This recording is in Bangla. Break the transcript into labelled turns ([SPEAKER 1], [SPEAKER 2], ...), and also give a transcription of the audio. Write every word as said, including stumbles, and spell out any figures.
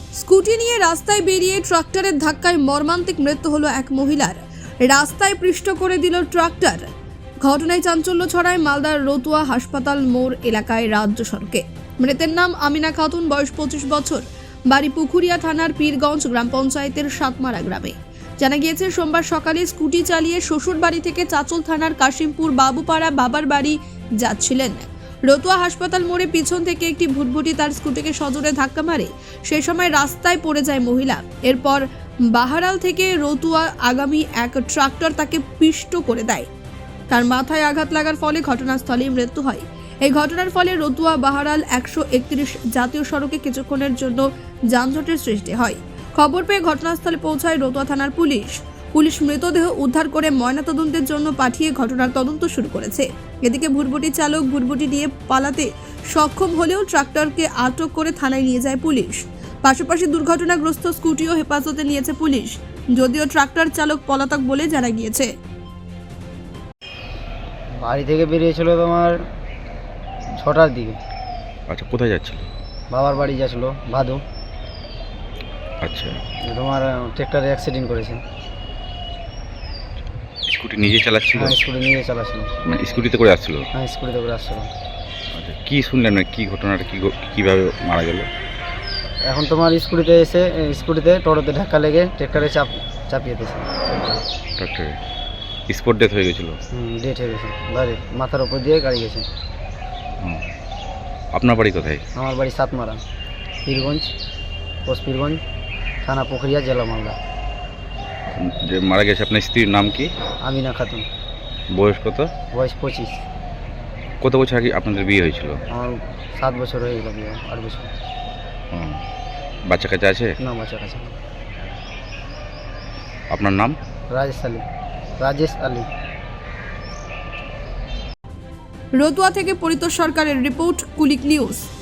[SPEAKER 1] স্কুটি নিয়ে রাস্তায় বেরিয়ে ট্রাক্টরের ধাক্কায় মর্মান্তিক মৃত্যু হলো এক মহিলার। রাস্তায় পৃষ্ঠ করে দিল ট্রাক্টর। ঘটনায় চাঞ্চল্য ছড়ায় মালদার রতুয়া হাসপাতাল মোড় এলাকায় রাজ্য সড়কে। মৃতের নাম আমিনা খাতুন, বয়স পঁচিশ বছর, বাড়ি পুকুরিয়া থানার পীরগঞ্জ গ্রাম পঞ্চায়েতের সাতমারা গ্রামে। জানা গিয়েছে, সোমবার সকালে স্কুটি চালিয়ে শ্বশুর বাড়ি থেকে চাচল থানার কাশিমপুর বাবুপাড়া বাবার বাড়ি যাচ্ছিলেন। রতুয়া হাসপাতাল মোড়ে পিছন থেকে একটি ভুটভুটি তার স্কুটিকে সজোরে ধাক্কা মারে। সেই সময় রাস্তায় পড়ে যায় মহিলা। এরপর বাহারাল থেকে রতুয়া আগামী এক ট্রাক্টর তাকে পিষ্ট করে দেয়। তার মাথায় আঘাত লাগার ফলে ঘটনাস্থলেই মৃত্যু হয়। এই ঘটনার ফলে রতুয়া বাহারাল একশো একত্রিশ জাতীয় সড়কে কিছুক্ষণের জন্য যানজটের সৃষ্টি হয়। খবর পেয়ে ঘটনাস্থলে পৌঁছায় রতুয়া থানার পুলিশ। পুলিশ মৃতদেহ উদ্ধার করে ময়নাতদন্তের জন্য পাঠিয়ে ঘটনার তদন্ত শুরু করেছে। এদিকে ভুটভুটি চালক ভুটভুটি নিয়ে পালাতে সক্ষম হলেও ট্রাক্টরকে আটক করে থানায় নিয়ে যায় পুলিশ। পাশাপাশি দুর্ঘটনাগ্রস্ত স্কুটিও হেফাজতে নিয়েছে পুলিশ, যদিও ট্রাক্টর চালক পলাতক বলে জানা গিয়েছে।
[SPEAKER 2] বাড়ি থেকে বেরিয়েছিল তোমার ছটার দিকে।
[SPEAKER 3] আচ্ছা, কোথায় যাচ্ছিল?
[SPEAKER 2] বাবার বাড়ি যাচ্ছিল ভাদু।
[SPEAKER 3] আচ্ছা,
[SPEAKER 2] তোমার ট্রেক্টরে অ্যাক্সিডেন্ট করেছে।
[SPEAKER 3] স্কুটি নিজে চালাচ্ছিল?
[SPEAKER 2] হ্যাঁ, স্কুটি নিয়ে চালাচ্ছিল।
[SPEAKER 3] মানে স্কুটিতে করে আসছিল?
[SPEAKER 2] হ্যাঁ, স্কুটিতে করে আসছিল।
[SPEAKER 3] আচ্ছা, কি শুনলেন, মানে কি ঘটনাটা, কি কিভাবে মারা গেল?
[SPEAKER 2] এখন তোমার স্কুটিতে এসে স্কুটিতে টোটোতে ধাক্কা লেগে ট্রেক্টরে চাপ চাপিয়ে দিয়েছে।
[SPEAKER 3] ট্রাক্টরে স্পট ডেথ হয়ে গেছিলো?
[SPEAKER 2] হুম, ডেট হয়ে গেছে। গাড়ি মাথার উপর দিয়ে গাড়ি গেছে।
[SPEAKER 3] হুম। আপনার বাড়ি কোথায়?
[SPEAKER 2] আমার বাড়ি সাতমারা, পীরগঞ্জ, পোস্ট পীরগঞ্জ, থানা পুকুরিয়া, জেলা মালদা।
[SPEAKER 3] যে মারা গেছে আপনার স্ত্রীর নাম কি?
[SPEAKER 2] আমিনা খাতুন।
[SPEAKER 3] বয়স কত?
[SPEAKER 2] বয়স পঁচিশ।
[SPEAKER 3] কত বছর আগে আপনাদের বিয়ে হয়েছিল?
[SPEAKER 2] আমার সাত বছর হয়ে গেল বিয়ে, আট বছর।
[SPEAKER 3] হুম। বাচ্চা কাচ্চা আছে?
[SPEAKER 2] না, বাচ্চা কাছে।
[SPEAKER 3] আপনার নাম?
[SPEAKER 2] রাজেশ আলী। রাজেশ আলী।
[SPEAKER 1] রতুয়া থেকে পরিতোষ সরকারের রিপোর্ট, কুলিক নিউজ।